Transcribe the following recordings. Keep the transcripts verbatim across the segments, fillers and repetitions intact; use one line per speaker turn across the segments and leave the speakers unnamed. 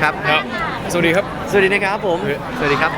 ครับ
ครับสวัสดีครับ
สวัสดีนะครับผมสวัสดีครับ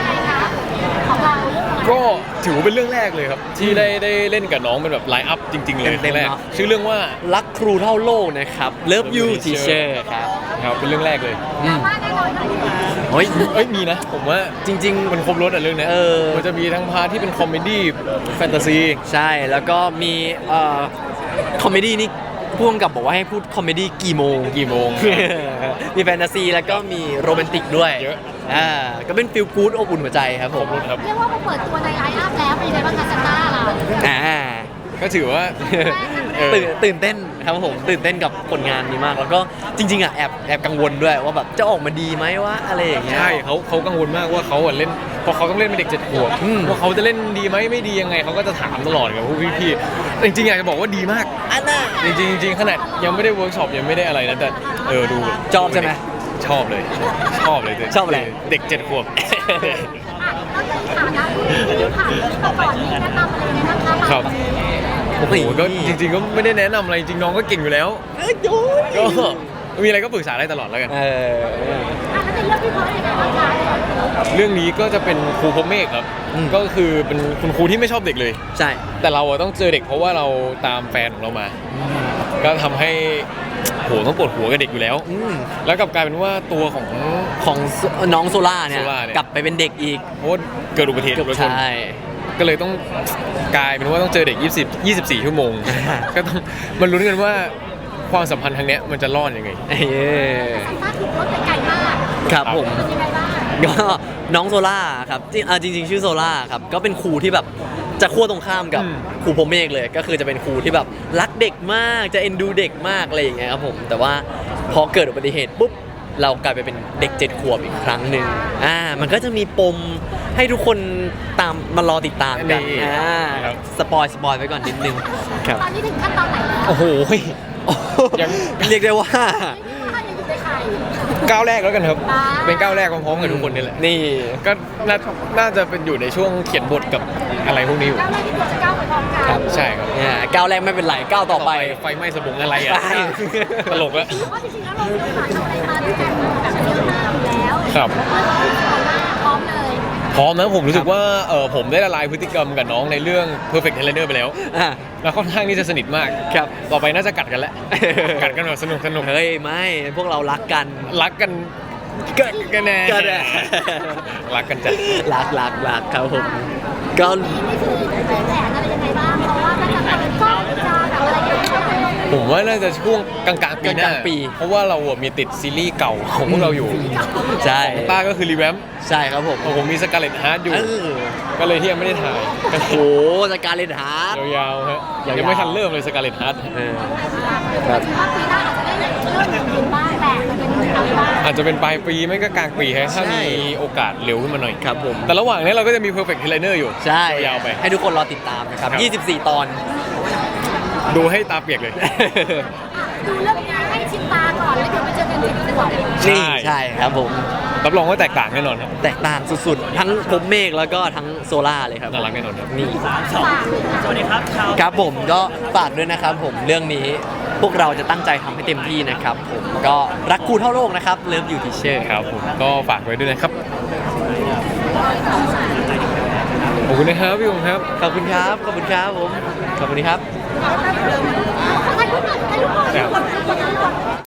ก็ถือว่าเป็นเรื่องแรกเลยครับที่ได้ได้เล่นกับน้องเป็นแบบไลฟ์อัพจริงๆเลยเต็มแรกชื่อเรื่องว่า
รักครูเท่าโลกนะครับ Love You Teacher ครับ
ครับเป็นเรื่องแรกเลย
เฮ้ย
เอ้ยมีนะผมว่า
จริงๆ
มันครบรสอ่ะเรื่องนี้มันจะมีทั้งพาร์ทที่เป็นคอมเมดี้แฟนตาซี
ใช่แล้วก็มีเอ่อคอมเมดี้นี่พ่วงกับบอกว่าให้พูดคอมเมดี้กี่โมง
กี่โมง
มีแฟนตาซีแล้วก็มีโรแมนติกด้วย
เยอะ
อ่าก็เป็นฟิลกู๊ดอบอุ่นหัวใจครับผม
ครับ
เรียกว่ามาเปิดตัวในไลน์อัพแล้วเป็นยังไงบ้างคะซันต้าเรา
อ่า
ก็ถือว่า
ตื่นตื่นเต้นครับผมตื่นเต้นกับผลงานนี้มากแล้วก็จริงๆอ่ะแอบแอบกังวลด้วยว่าแบบจะออกมาดีไหมว่าอะไรอย่างเงี้ย
ใช่เขาเขากังวลมากว่าเขาเล่นพอเขาต้องเล่นเป็นเด็กเจ็ดขวบว่าเขาจะเล่นดีไหมไม่ดียังไงเขาก็จะถามตลอดกับพวกพี่ๆจริงๆอยากจะบอกว่าดีมาก
อันน่ะ
จริงๆจริงๆขนาดยังไม่ได้เวิร์กช็อปยังไม่ได้อะไรนะแต่เออดู
ชอบใช่ไหม
ชอบเลยชอบเลย
ชอบอะไร
เด็กเจ็ดขวบครับโอ้โหก็จริงๆก็ไม่ได้แนะนำอะไรจริงน้องก็เก่งอยู่แล้วก็มีอะไรก็ปรึกษาได้ตลอดแล้วกันเรื่องนี้ก็จะเป็นครูพรหมเมฆครับก็คือเป็นคุณครูที่ไม่ชอบเด็กเลย
ใช่
แต่เราต้องเจอเด็กเพราะว่าเราตามแฟนของเรามาก็ทำให้โหต้องปวดหัวกับเด็กอยู่แล้วแล้วกลับกลายเป็นว่าตัวของ
ของน้องโซล่าเนี่ยกลับไปเป็นเด็กอีก
เพราะเกิดอุบัติเหตุรถชนก็เลยต้องกลายเป็นว่าต้องเจอเด็กยี่สิบ ยี่สิบสี่ชั่วโมงก็ต้องมันลุ้นกันว่าความสัมพันธ์ทางเนี้ยมันจะรอดยังไง
เออ
ถ้าถูกรถไปไกลมาก
ครับผมก็น้องโซล่าครับจริงจริงๆชื่อโซล่าครับก็เป็นครูที่แบบจะขั้วตรงข้ามกับครูพรหมเมฆเลยก็คือจะเป็นครูที่แบบรักเด็กมากจะเอ็นดูเด็กมากอะไรอย่างเงี้ยครับผมแต่ว่าพอเกิดอุบัติเหตุปุ๊บเรากลายไปเป็นเด็กเจ็ดขวบอีกครั้งหนึ่งอ่ามันก็จะมีปมให้ทุกคนตามมารอติดตามกันอ่าสปอยสปอยไว้ก่อนนิดนึง
ครับตอนนี้ถึงขั้นตอนไหนแล้ว
โอ้โห
ยังเรียกได้ว่า
ก้าวแรกแล้วกันครับเป็นก้าวแรกพร้อมๆกับทุกคนนี่แหละนี่ก็น่าจะเป็นอยู่ในช่วงเขียนบทกับอะไรพวกนี้อยู่
ก้าวแรกที่ตัวจะก้าวไปพร้อมกัน
ใช่ครับ
เนี่ยก้าวแรกไม่เป็นไรก้าวต่อไป
ไฟไหม้สมองอะไรอ่ะตลกแล้ว
เพราะจริงๆแล้วเราเลือกหาอะไรมาด้วยกันแบบเยอะมากอยู่แล้ว
ครับ
พร้อมเลย
พร้อมนะผมรู้สึกว่าเออผมได้ละลายพฤติกรรมกับน้องในเรื่อง Perfect Trainer ไปแล้วแล้วค่อนข้างที่จะสนิทมาก
ครับ
ต่อไปน่าจะกัดกันแล้วกัดกันแบบสนุกสนุก
เฮ้ยไม่พวกเรารักกัน
รักกันกัดกันแน่รักกันจัด
รักรักรักครับผมก็
นี่คือเป็นแผนอะไรยังไงบ้างเพราะว่ามันจะเป็นก้อนจะแบบอะไรอย่างเงี้ย
ผมว่าน่าจะช่วงกลางๆปีหน้าเพราะว่าเรามีติดซีรีส์เก่าของพวกเราอยู่
ใช่
ต้าก็คือรีแวม
ใช่ครับผม
ผมมีสกาเลตฮาร์ดอยู่ก็เลยที่ยังไม่ได้ถ่าย
โอ้โหสกาเลตฮาร์ด
ยาวๆฮะยังไม่ทันเริ่มเลยสกาเลตฮาร์ด
ครับปีหน้าอาจจะได้เริ่มเป็นบ้างแต่จะเป็นอะไรบ้าง
อาจจะเป็นปลายปีไม่ก็กลางปีฮะถ้ามีโอกาสเร็วขึ้นมาหน่อย
ครับผม
แต่ระหว่างนี้เราก็จะมี Perfect Trainer อยู่
ใช่
ยาวไป
ให้ทุกคนรอติดตามนะครับยี่สิบสี่ตอน
ดูให้ตาเปียกเลย
ดูเรื่องนี้ให้ชินตาก่อนแล้วเดี๋ยวไปเจอกันที่ขวบ
ใช่ใช่ครับผม
รับรองว่าแตกต่างแน่นอนครับ
แตกต่างสุดๆทั้งพรหมเมฆแล้วก็ทั้งโซล่าเลยครับ
น่ารักแน่นอนครับ
นี่
สวัสดีครับ
ครับผมก็ฝากด้วยนะครับผมเรื่องนี้พวกเราจะตั้งใจทำให้เต็มที่นะครับผมก็รักครูเท่าโลกนะครับเลิฟอยู่ทีเชอร์
ครับผมก็ฝากไว้ด้วยนะครับขอบคุณนะครับพี่ผมครับ
ขอบคุณครับขอบคุณครับผมขอบคุณครับ
ถ่ายรูปหน่อยถ่ายรูปหน่อย